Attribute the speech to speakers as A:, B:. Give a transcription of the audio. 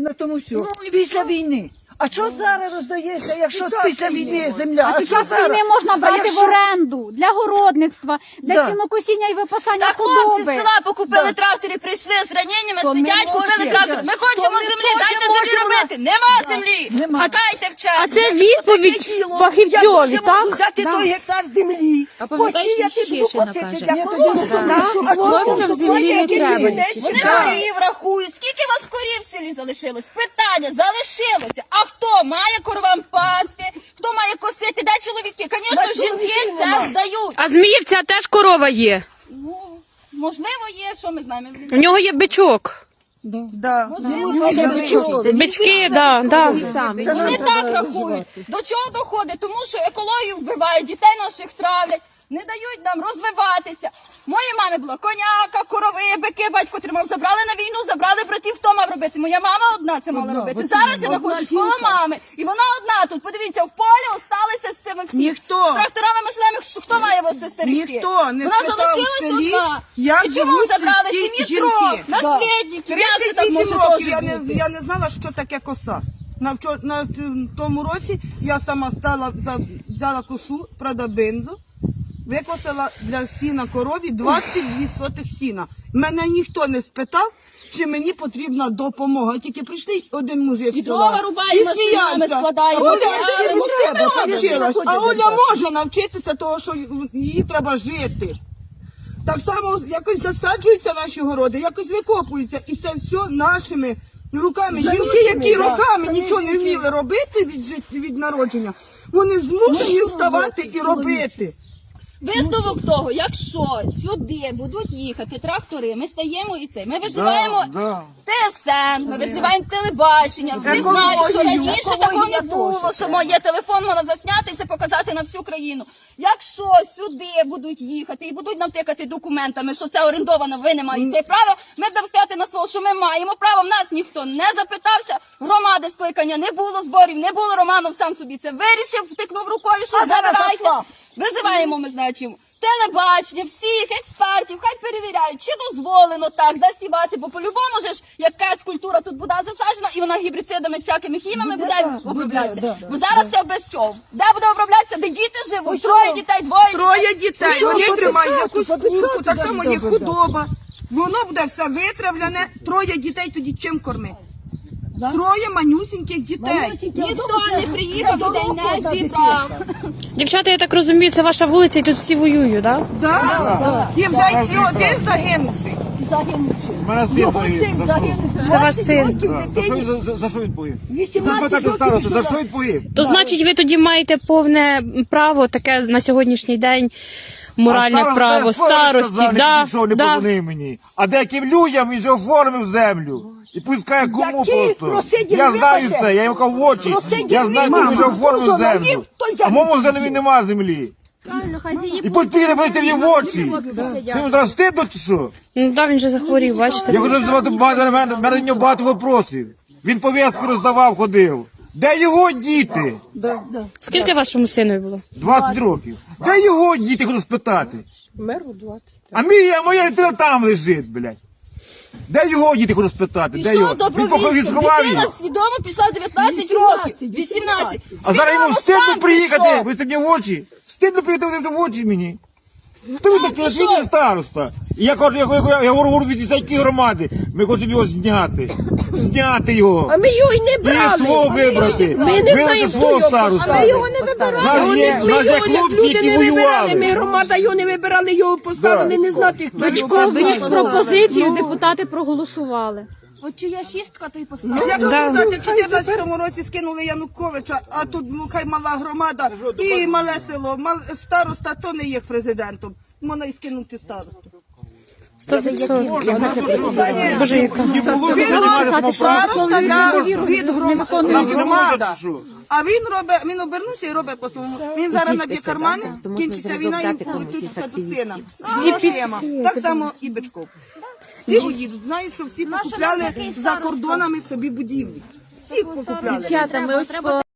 A: на тому все. Після війни. А що зараз роздається, якщо після війни земля?
B: А під час війни можна брати в оренду для городництва, для сінокосіння і випасання
C: Та хлопці з
B: худоби.
C: села покупили трактори, прийшли з раненнями, сидять, купили трактор. Ми хочемо землі, дайте землі робити. Нема землі. Чекайте в черзі.
D: А це відповідь фахівцьові, так?
A: Взяти той гектар землі, посіяти, буду косити для
D: Хлопцям землі не треба.
C: Вони корів рахують. Скільки у вас корів в селі залишилось? Питання, залишилося. А хто має коровам пасти? Хто має косити? Де чоловіки? Звісно, жінки це здають.
D: А Зміївця теж корова є.
C: Ну, можливо, є, що ми знаємо.
D: У нього є бичок. Бички, да.
C: Вони так рахують. До чого доходить? Тому що екологію вбивають, дітей наших травлять, не дають нам розвиватися. Моїй мамі була коняка, корови, бики, батько тримав. Забрали на війну, забрали братів, хто мав робити? Моя мама одна це мала робити. Зараз я знаходжусь коло мами. І вона одна тут. Подивіться, в полі осталися з цими всіми. З тракторами, машинами. Хто має вести старики?
E: Ніхто не
C: Вона
E: спитав в
C: залишилась
E: селі,
C: одна.
E: як
C: І чому
E: живуть
C: забрали
E: сільські
C: сім'ї трьох?
E: жінки.
C: Наслідників. Як це так
E: 38
C: може
E: років
C: теж бути?
E: я не знала, що таке коса. На тому році я сама взяла косу, правда, бензу, викосила для сіна корові 22 сотих сіна. Мене ніхто не спитав, чи мені потрібна допомога. Тільки прийшли один мужик з
C: дрова
E: села
C: рубаємо,
E: і
C: машинами
E: сміявся.
C: складаємо.
E: Оля,
C: Ми
E: ти
C: все
E: себе
C: робимо.
E: навчилась, а Оля може навчитися того, що їй треба жити. Так само якось засаджуються наші городи, якось викопуються. І це все нашими руками. Жінки, які роками нічого не вміли робити від народження, вони змушені вставати і робити.
C: Висновок того, якщо сюди будуть їхати трактори, ми стаємо і це. Ми визиваємо ТСН, ми визиваємо телебачення. Всі знають, що раніше такого не було, що є телефон, можна засняти і це показати на всю країну. Якщо сюди будуть їхати і будуть нам тикати документами, що це орендовано, ви не маєте права, ми будемо стояти на слово, що ми маємо право. В нас ніхто не запитався, громади скликання не було, зборів не було, Романов сам собі це вирішив, втикнув рукою, що забирайте. Визиваємо, ми, значить, телебачення, всіх експертів, хай перевіряють, чи дозволено так засівати, бо по-любому ж якась культура тут буде засаджена, і вона гібрицидами, всякими хіміями буде оброблятися. Бо зараз це без чого. Де буде оброблятися, де діти живуть? Троє дітей,
E: Троє дітей, вони тримають якусь курку, так само є худоба. Воно буде все витравлене, троє дітей тоді чим кормити? Троє манюсіньких дітей.
C: Ніхто не приїхав, дітей не зібрав.
D: Дівчата, я так розумію, це ваша вулиця і тут всі воюють, так?
E: Так? І вже і один загинувший.
F: У мене син загинув.
D: Це ваш син.
F: За що він погиб? Запитати старосту, за що він погиб?
D: То значить, ви тоді маєте повне право таке на сьогоднішній день, моральне право старості.
F: Не позвонив мені. А деяким людям він вже оформив землю. І пускає кому просто. Я знаю це, я йому кажу в очі. Я знаю, кому він вже оформив землю. А моєму землі нема землі. І підійде, бачите мені в очі. Це йому зараз стидно чи що?
D: Ну так, він же захворів, бачите.
F: Я хочу задавати багато, мене до нього багато вопросів. Він повістку роздавав, ходив. Де його діти?
D: Скільки вашому сину було?
F: 20 років. Де його діти, хочу спитати?
A: Меру 20.
F: А моя дитина там лежить, блядь. Де його діти, хочу спитати? Де його?
C: Пішов
F: Він поки сховав
C: дитина
F: його.
C: свідомо пішла 19 років, 18.
F: А зараз йому
C: Свідомо
F: стидно
C: сам
F: приїхати,
C: пішов.
F: ви мені в очі. Стидно приїхати в очі мені. Хто ви такий?
C: пішов.
F: Він староста. І я кажу, я говорю від які громади. Ми хочемо його зняти. Зняти його.
A: А ми його й не
F: І
A: брали.
F: свого вибрати.
A: Ми не
F: Вибрати
A: знаємо,
F: свого
A: хто його
F: староста.
A: Ми його не вибирали.
F: У нас є хлопці,
A: Люди
F: які
A: не вибирали, ми
F: воювали.
A: громада його не вибирали, його поставили, не знати, хто його.
B: Ви ж пропозицію депутати проголосували. От чия шістка, то й поставили.
E: Як сказати, в 14-му році скинули Януковича, а тут хай мала громада і мале село. Староста то не є президентом. Можна і скинути старосту.
D: 100%. Боже, яка.
F: Не було
E: Він
F: займатися
E: робить староста від громада. А він обернувся і робить по-своєму. Він зараз наб'є кармани, кінчиться війна і полетиться до сина. Так само і Бичков. Всі уїдуть. Знають, що всі покупляли за кордонами собі будівлі. Всі покупляли.
D: Дівчата, ми ось